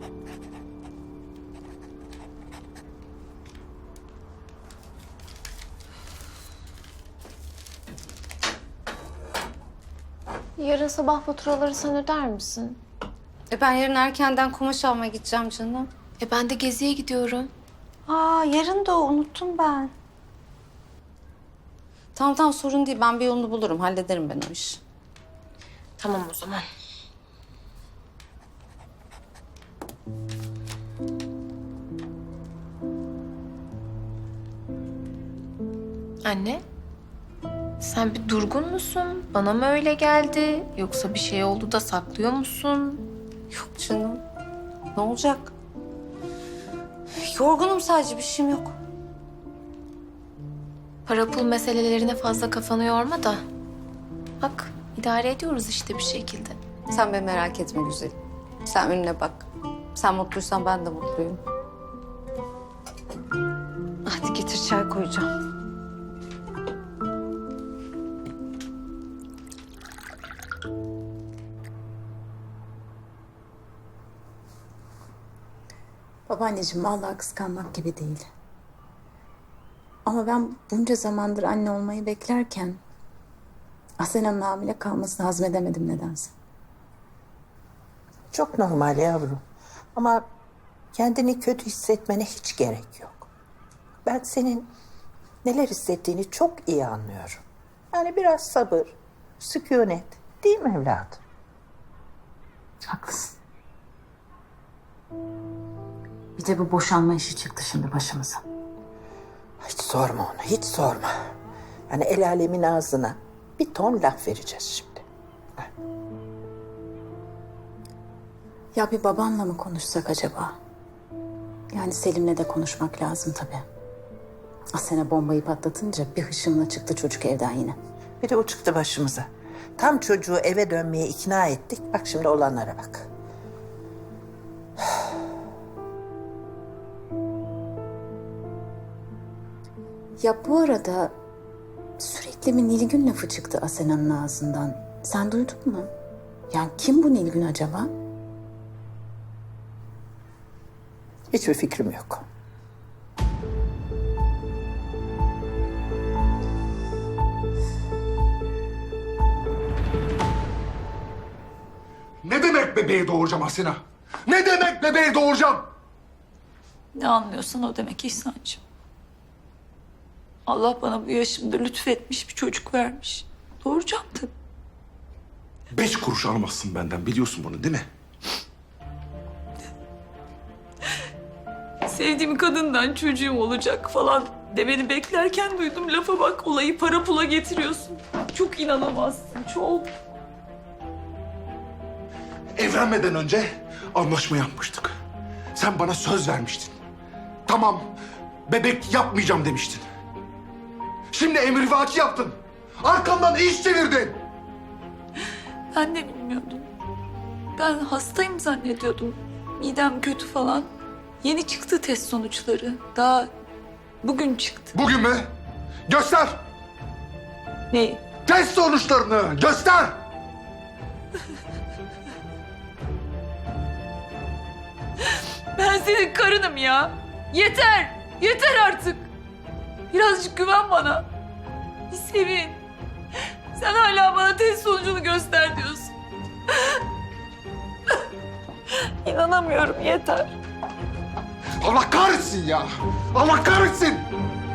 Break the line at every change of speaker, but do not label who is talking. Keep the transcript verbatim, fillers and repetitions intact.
Yarın sabah faturaları sen öder misin?
E ben yarın erkenden kumaş almaya gideceğim canım.
E ben de geziye gidiyorum.
Aa yarın da o, unuttum ben. Tamam tamam sorun değil. Ben bir yolunu bulurum. Hallederim ben o işi.
Tamam o zaman. Anne, sen bir durgun musun? Bana mı öyle geldi? Yoksa bir şey oldu da saklıyor musun?
Yok canım. Ne olacak? Yorgunum sadece. Bir şeyim yok.
Para pul meselelerine fazla kafanı yorma da. Bak, idare ediyoruz işte bir şekilde.
Sen beni merak etme güzelim. Sen önüne bak. Sen mutluysan ben de mutluyum. Hadi getir çay koyacağım.
Babaanneciğim vallahi kıskanmak gibi değil. Ama ben bunca zamandır anne olmayı beklerken Asena'nın hamile kalmasını hazmedemedim nedense.
Çok normal yavrum. Ama kendini kötü hissetmene hiç gerek yok. Ben senin neler hissettiğini çok iyi anlıyorum. Yani biraz sabır, sükunet, değil mi evladım?
Haklısın. Bir de bu boşanma işi çıktı şimdi başımıza.
Hiç sorma onu, hiç sorma. Yani el alemin ağzına bir ton laf vereceğiz şimdi.
Ya bir babanla mı konuşsak acaba? Yani Selim'le de konuşmak lazım tabii. Asena bombayı patlatınca bir hışımla çıktı çocuk evden yine.
Bir de o çıktı başımıza. Tam çocuğu eve dönmeye ikna ettik. Bak şimdi olanlara bak.
Ya bu arada sürekli bir Nilgün lafı çıktı Asena'nın ağzından. Sen duydun mu? Yani kim bu Nilgün acaba?
Hiçbir fikrim yok.
Ne demek bebeği doğuracağım Asena? Ne demek bebeği doğuracağım?
Ne anlıyorsan o demek İhsan'cığım. Allah bana bu yaşımda lütfetmiş bir çocuk vermiş. Doğuracağım tabii.
Beş kuruş almazsın benden, biliyorsun bunu değil mi?
Sevdiğim kadından çocuğum olacak falan demeni beklerken duydum. Lafa bak, olayı para pula getiriyorsun. Çok inanamazsın, çok.
Evlenmeden önce anlaşma yapmıştık. Sen bana söz vermiştin. Tamam, bebek yapmayacağım demiştin. Şimdi emrivaki yaptın. Arkamdan iş çevirdin.
Ben de bilmiyordum. Ben hastayım zannediyordum. Midem kötü falan. Yeni çıktı test sonuçları. Daha bugün çıktı.
Bugün mü? Göster.
Ne?
Test sonuçlarını göster.
Ben senin karınım ya. Yeter. Yeter artık. Birazcık güven bana. Bir sevin. Sen hala bana test sonucunu göster diyorsun. İnanamıyorum, yeter.
Allah kahretsin ya. Allah kahretsin.